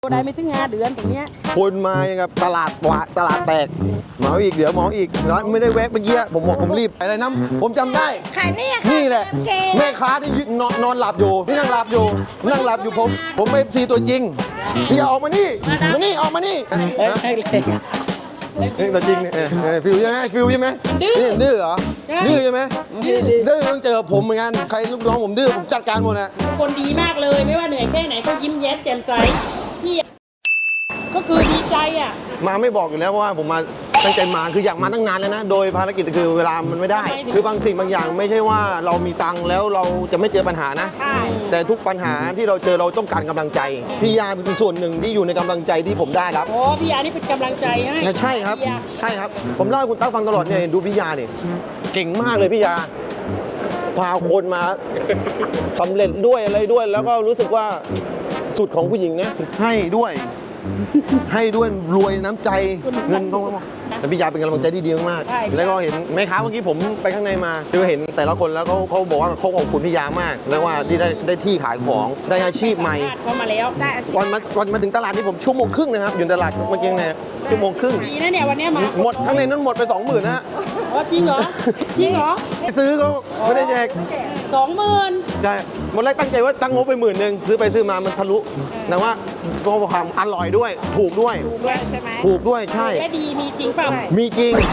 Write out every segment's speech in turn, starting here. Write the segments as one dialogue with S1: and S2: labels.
S1: ได้ไม่ถึง5 เดือนตรงเนี้ย
S2: คนมายังกับตลาดแตกหมออีกเดี๋ยวหมออีกร้านไม่ได้แวะเมื่อกี้ผมบอกผมรีบอะไรน้ำผมจำได้
S1: ขาย
S2: นี่แหละแม่ค้าที่ยืนนอนหลับอยู่นี่นั่งหลับอยู่ผมเอฟซีตัวจริงพี่อย่าออกมานี่ออกมานี่ตัวจริงฟิวใช่ไหมดื้อเหรอดื้อใช่ไหมดื้อต้องเจอผมเหมือนกันใครลูกน้องผมดื้อผมจัดการหมดนะ
S1: คนดีมากเลยไม่ว่าเหนื่อยแค่ไหนก็ยิ้มแย้มแจ่มใสพี่ก็คือดีใจอ่ะ
S2: มาไม่บอกอยู่แล้วเพราะว่าผมมาตั้งใจมาคืออยากมาตั้งนานแล้วนะโดยภารกิจคือเวลามันไม่ได้คือบางสิ่งบางอย่างไม่ใช่ว่าเรามีตังค์แล้วเราจะไม่เจอปัญหานะแต่ทุกปัญหาที่เราเจอเราต้องการกำลังใจพี่ยาเป็นส่วนหนึ่งที่อยู่ในกำลังใจที่ผมได้ครับ
S1: โอ้พี่ยานี่เป็นกำลังใจให้
S2: ใช่ครับผมเล่าให้คุณตั้งฟังตลอดเนี่ยดูพี่ยาเนี่ยเก่งมากเลยพี่ยาพาคนมาสำเร็จด้วยอะไรด้วยแล้วก็รู้สึกว่าสุดของผู้หญิงนะให้ด้วยรวยน้ำใจเงินต้องแต่พี่ยาเป็นกำลังใจที่ดีมากแล้วก็เห็นแม่ค้าเมื่อกี้ผมไปข้างในมาคือเห็นแต่ละคนแล้วเขาบอกว่าเขาขอบคุณพี่ยามากแล้วว่าที่ได้ที่ขายของได้อาชีพใหม่
S1: เขามาแล้วได้
S2: ก่อนมาถึงตลาดนี่ผมชั่วโมงครึ่งนะครับอยู่ตลาดเมื่อกี้เนี่ยชั่วโมงครึ่ง
S1: ดีนะเนี่ยวันนี้มา
S2: หมดข้างในนั้นหมดไป 20,000นะฮะ
S1: จริงเหรอ
S2: ซื้อเขาไม่ได้แจก
S1: 20,000
S2: ใช่หมดแรกตั้งใจว่าตั้งงบไป10,000ซื้อไปซื้อมามันทะลุแต่ว่าก็ความอร่อยด้วยถูกด้วย
S1: ใช่ไหม
S2: ถูกด้วยใช่
S1: และดีมีจริงเปล่า
S2: มีจริง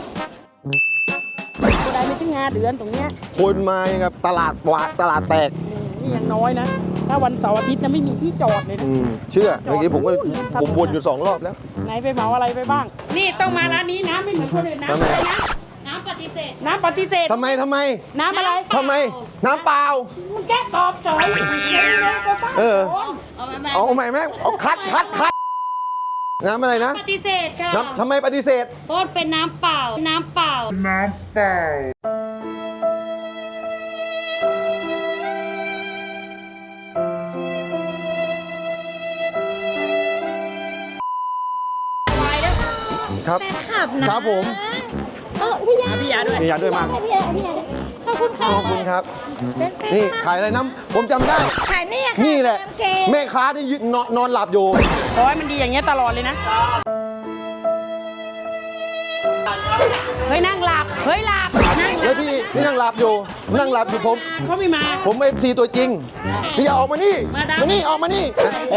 S1: ได้ไม่ถึง5 เดือนตรงเนี้ย
S2: คนมายังกับตลาดแตก
S1: นี่ยังน้อยนะถ้าวันเสาร์อาทิตย์จะไม่มีที่จอดเลย
S2: เชื่อเมื่อกี้ผมวนอยู่2 รอบแล้ว
S1: ไหนไปเหมาอะไรไปบ้างนี่ต้องมาร้านนี้น้ำไม่เหมือนคนอื่นน้ำอะไรนะน้ำปฏิเสธ
S2: ทำไม
S1: น้ำอะไร
S2: ทำไมน้ำเปล่า
S1: มึงแก้ตอบจอย
S2: เอาใหม่ไหมเอาคัดน้ำอะไรนะ
S3: ปฏิเสธค่ะ
S2: ทำไมปฏิเสธ
S3: เพราะเป็นน้ำเปล่า
S2: ครับครับผม
S1: พี่ยา
S2: ด้วยมาก
S3: ขอบคุณ
S2: ครับนี่ขายอะไรน้ำผมจำได้
S3: ขาย
S2: นี่แหละแม่ค้าที่ยืนนอนหลับอยู่
S1: ขอให้มันดีอย่างเงี้ยตลอดเลยนะเฮ้ยนั่งหลับ
S2: แล้วพี่นี่นั่งหลับอยู่ผม
S1: เขาไม่มา
S2: ผมเอฟซีตัวจริงพี่อย่าออกมานี่ออกมานี่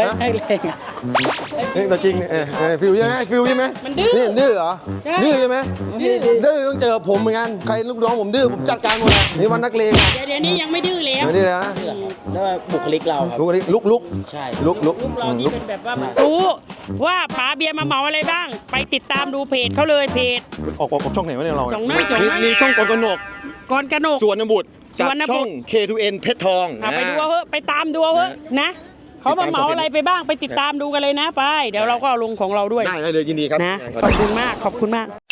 S2: ตัวจริงฟิวใช่ไหมดื้อเหรอดื้อใช่ไหมดื้อต้องเจอผมเหมือนกันใครลูกน้องผมดื้อผมจัดการหมดนี่วันนักเลง
S1: เดี๋ยวนี้ยังไม่ดื้อแล้ว
S2: นี่นะ
S4: แล้วบุคลิกเราครับ
S2: ลุก
S4: ใช่
S1: ลุกเรานี่เป็นแบบว่ารู้ว่าป๋าเบียร์มาเหมาอะไรบ้างไปติดตามดูเพจเขาเลยเพจ
S2: ออกช่องไหนวะเนี่ยเรา
S1: มี
S2: ช่องกรกนกสวนบุตรกับช่อง K2N เพชรทอง
S1: ไปดูเถอะไปตามดูเถอะนะเขามาเหมาอะไรไปบ้างไปติดตามดูกันเลยนะไปเดี๋ยวเราก็เอาลงของเราด้วย
S2: ได้เลยยินดีครับ
S1: นะขอบคุณมาก